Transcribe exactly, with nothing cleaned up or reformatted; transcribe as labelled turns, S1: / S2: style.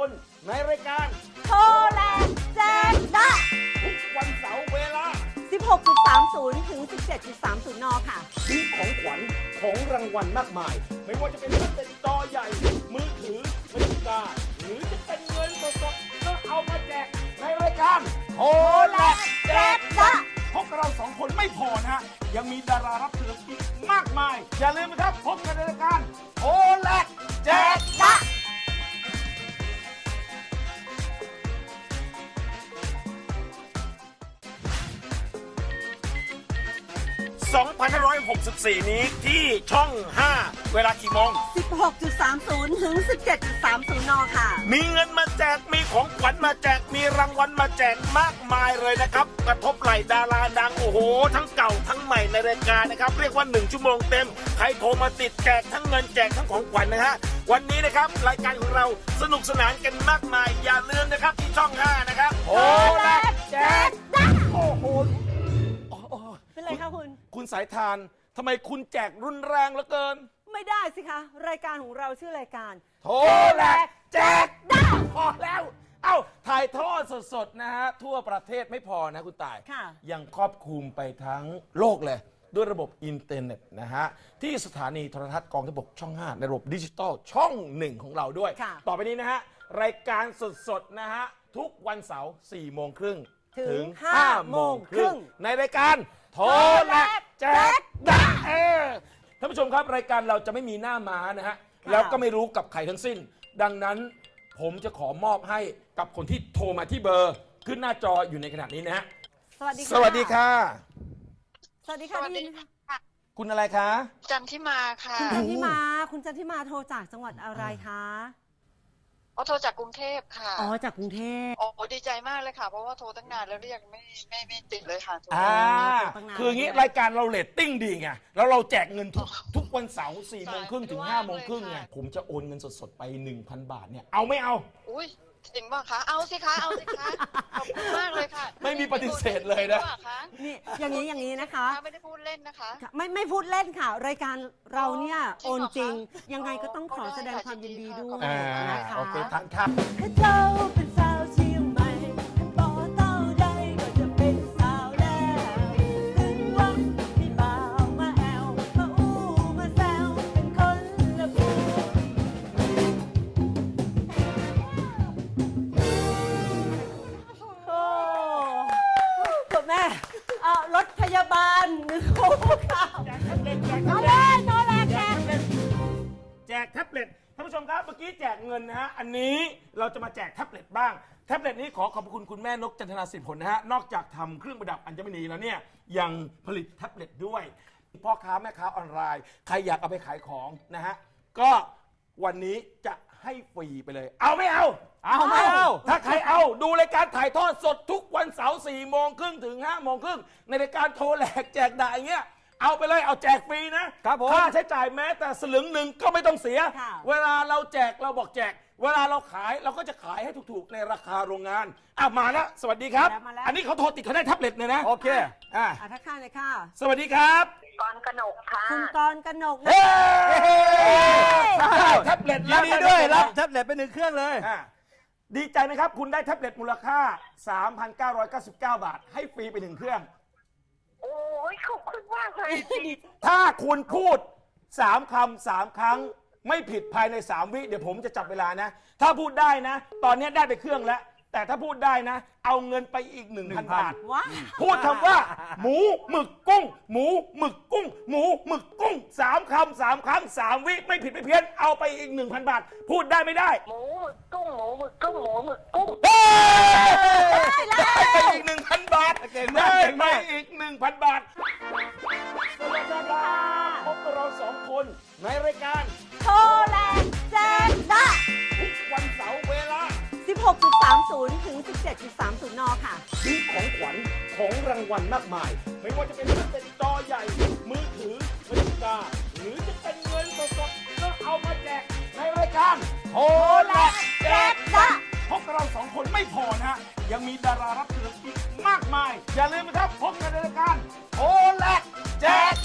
S1: คนในรายการ
S2: โทรแลกแจกได้
S1: ทุกวันเสาร์เวลา
S2: สิบหกจุดสามศูนย์ ถึง สิบเจ็ดจุดสามศูนย์ น ค่ะ
S1: มีของขวัญของรางวัลมากมาย ไม่ว่าจะเป็นแท็บเล็ตจอใหญ่ มือถือนาฬิกาหรือจะเป็นเงินสดๆก็เอามาแจกในรายการโทรแลกแจกได้พวกเราสองคนไม่พอนะฮะยังมีดารารับเชิญอีกมากมาย อย่าลืมนะครับพบกันในรายการโทรแลกแจกได้ สองพันห้าร้อยหกสิบสี่ นี้ที่ช่อง ห้า เวลากี่โมง
S2: สิบหกจุดสามศูนย์ ถึง สิบเจ็ดจุดสามศูนย์ น ค่ะ
S1: มีเงินมาแจก มีของขวัญมาแจก มีรางวัลมาแจกมากมายเลยนะครับ กระทบไหล่ดาราดัง โอ้โห ทั้งเก่าทั้งใหม่ในรายการนะครับ เรียกว่าหนึ่งชั่วโมงเต็ม ใครโทรมาติดแจกทั้งเงินแจกทั้งของขวัญนะฮะ วันนี้นะครับรายการของเราสนุกสนานกันมากมาย อย่าลืมนะครับที่ช่อง ห้า นะครับโทรแลกแจกได้โอ้โห
S2: เป็นไรคะคุณ
S1: คุณสายทานทำไมคุณแจกรุนแรงเหลือเกิน
S2: ไม่ได้สิคะ รายการของเราชื่อรายการ
S1: โทรแลกแจกได้พอแล้ว เอ้า ถ่ายทอดสดๆนะฮะ ทั่วประเทศไม่พอนะคุณต่าย
S2: ค่ะ
S1: ยังครอบคลุมไปทั้งโลกเลย ด้วยระบบอินเทอร์เน็ตนะฮะ ที่สถานีโทรทัศน์กองทัพบกช่อง ห้า ในระบบดิจิตอลช่องหนึ่งของเราด้วย
S2: ค่ะ
S1: ต่อไปนี้นะฮะ รายการสดๆนะฮะ ทุกวันเสาร์สี่โมงครึ่ง
S2: ถึงห้าโมงครึ่ง
S1: ในรายการโทรแลกแจกได้เออท่านผู้ชมครับรายการเราจะไม่มีหน้าม้านะฮะ แล้วก็ไม่รู้กับใครทั้งสิ้น ดังนั้นผมจะขอมอบให้กับคนที่โทรมาที่เบอร์ ขึ้นหน้าจออยู่ในขณะนี้นะฮะ
S2: สวัสดีค่ะ
S1: สวัสดีค่ะ
S2: สวัสดีค่ะได้ยินไหมคะ
S1: คุณอะไรคะ
S3: จันทิมาค่ะ
S2: คุณจันทิมา คุณจันทิมาโทรจากจังหวัดอะไรคะ
S3: อ๋อโทรจากกรุงเทพค่ะ
S2: อ๋อ จากกรุงเทพ
S3: โอ้ดีใจมากเลยค่ะ เพราะว่าโทรตั้งนานแล้วเรียกไม่ไม่ไม่ติดเลยค่ะโทร
S1: อ่า
S2: ตั้งนาน
S1: คืออย่างนี้รายการเราเรตติ้งดีไง แล้วเราแจกเงินทุกทุกวันเสาร์สี่โมงครึ่งถึงห้าโมงครึ่งไง ผมจะโอนเงินสดๆไป หนึ่งพัน บาทเนี่ย เอาไม่เอา
S3: อุ้ยจริงป่ะคะ เอาสิคะ เอาสิคะ ขอบคุณมากเลยค่ะ
S1: ไม่มีปฏิเสธเลยนะ
S3: จริงปคะ
S2: นี่ อย่างนี้ อย่างนี้นะคะ
S3: ไม่ได้พูดเล่นนะคะ
S2: ไม่ไม่พูดเล่นค่ะ รายการเราเนี่ย
S3: จริ
S2: โอง น
S3: เหรอคะ
S2: จริง ยังไงก็ต้องขอแสดงความยินดีด้วย
S1: อ่า
S2: นะคะ
S1: โอเคทานครับ
S2: ข้าเจ้าเป็นสาวเชียงใหม่ต่อเต้าใดก็จะเป็นสาวแล้วถึงวันมีบ่าวมาแอวมาอู้มาแซวเป็นคนละบูโอ้คุณแม่เอ่อรถพยาบาลหนึ่งโอ้ค่ะเอาเลยโทรแลกแจก
S1: แจกแท็บเล็ตท่านผู้ชมครับเมื่อกี้แจกเงินนะฮะอันนี้เราจะมาแจกแท็บเล็ตบ้างแท็บเล็ตนี้ขอขอบคุณคุณแม่นกจันทนาสิริผลนะฮะนอกจากทำเครื่องประดับอัญมณีแล้วเนี่ยยังผลิตแท็บเล็ตด้วยพ่อค้าแม่ค้าออนไลน์ใครอยากเอาไปขายของนะฮะก็วันนี้จะให้ฟรีไปเลย เอาไม่เอา
S4: เอาไม่เอา
S1: ถ้าใครเอาดูรายการถ่ายทอดสดทุกวันเสาร์สี่โมงครึ่งถึงห้าโมงครึ่งในรายการโทรแหลกแจกด่าอย่างเงี้ยเอาไปเลยเอาแจกฟรีนะครับ
S4: ผม
S1: ค่าใช้จ่ายแม้แต่สลึงหนึ่งก็ไม่ต้องเสีย
S2: ค่ะ
S1: เวลาเราแจกเราบอกแจก เวลาเราขายเราก็จะขายให้ถูกๆในราคาโรงงานอ่ะมาแล้วสวัสดีครับ
S2: มาแล้วมาแล้ว
S1: อันนี้เขาโทรติดเขาได้แท็บเล็ตเลยนะ
S4: โอเค
S1: อ่ะ
S2: อ่ะทักทายเลยค่ะ
S1: สวัสดีครับ
S5: กรกนกค่ะ
S2: คุณกรณ์กนกนะ
S1: เฮ้ได้แท็บเล็ต
S4: ยินดีด้วยรับแท็บเล็ตไปหนึ่งเครื่องเลย
S1: อ่ะดีใจไหมครับคุณได้แท็บเล็ตมูลค่า สามพันเก้าร้อยเก้าสิบเก้า บาท ให้ฟรีไปหนึ่งเครื่อง
S5: โอ้ยขอบคุณมากเลย
S1: ถ้าคุณพูดสามคำสามครั้งไม่ผิดภายในสามวิเดี๋ยวผมจะจับเวลานะ ถ้าพูดได้นะ ตอนนี้ได้ไปเครื่องแล้ว แต่ถ้าพูดได้นะ เอาเงินไปอีก หนึ่งพัน บาท
S2: ว้า
S1: พูดคำว่า หมูหมึกกุ้ง หมูหมึกกุ้ง หมูหมึกกุ้งสามคำสามครั้งสามวิไม่ผิดไม่เพี้ยนเอาไปอีก หนึ่งพัน บาท พูดได้ไม่ได้
S5: หมูหมึกกุ้งหมูหมึกกุ้งหมูหมึกกุ้ง
S1: เฮ้ยได้ไปอีก หนึ่งพัน บาท
S4: เก่งมาก
S1: ได้
S4: เก่ง
S1: ไป
S4: มาก
S1: อีก หนึ่งพัน บาทสวัสดีครับพบกับเราสองคนในรายการ
S2: โทรแลกแจกได้
S1: ทุกวันเสาร์เวลา
S2: สิบหกจุดสามศูนย์ ถึง สิบเจ็ดจุดสามศูนย์ น ค่ะ
S1: มีของขวัญของรางวัลมากมาย ไม่ว่าจะเป็นแท็บเล็ตจอใหญ่ มือถือนาฬิกาหรือจะเป็นเงินสดๆก็เอามาแจกในรายการโทรแลกแจกได้พวกเราสองคนไม่พอนะฮะยังมีดารารับเชิญอีกมากมาย อย่าลืมนะครับพบกันในรายการโทรแลกแจก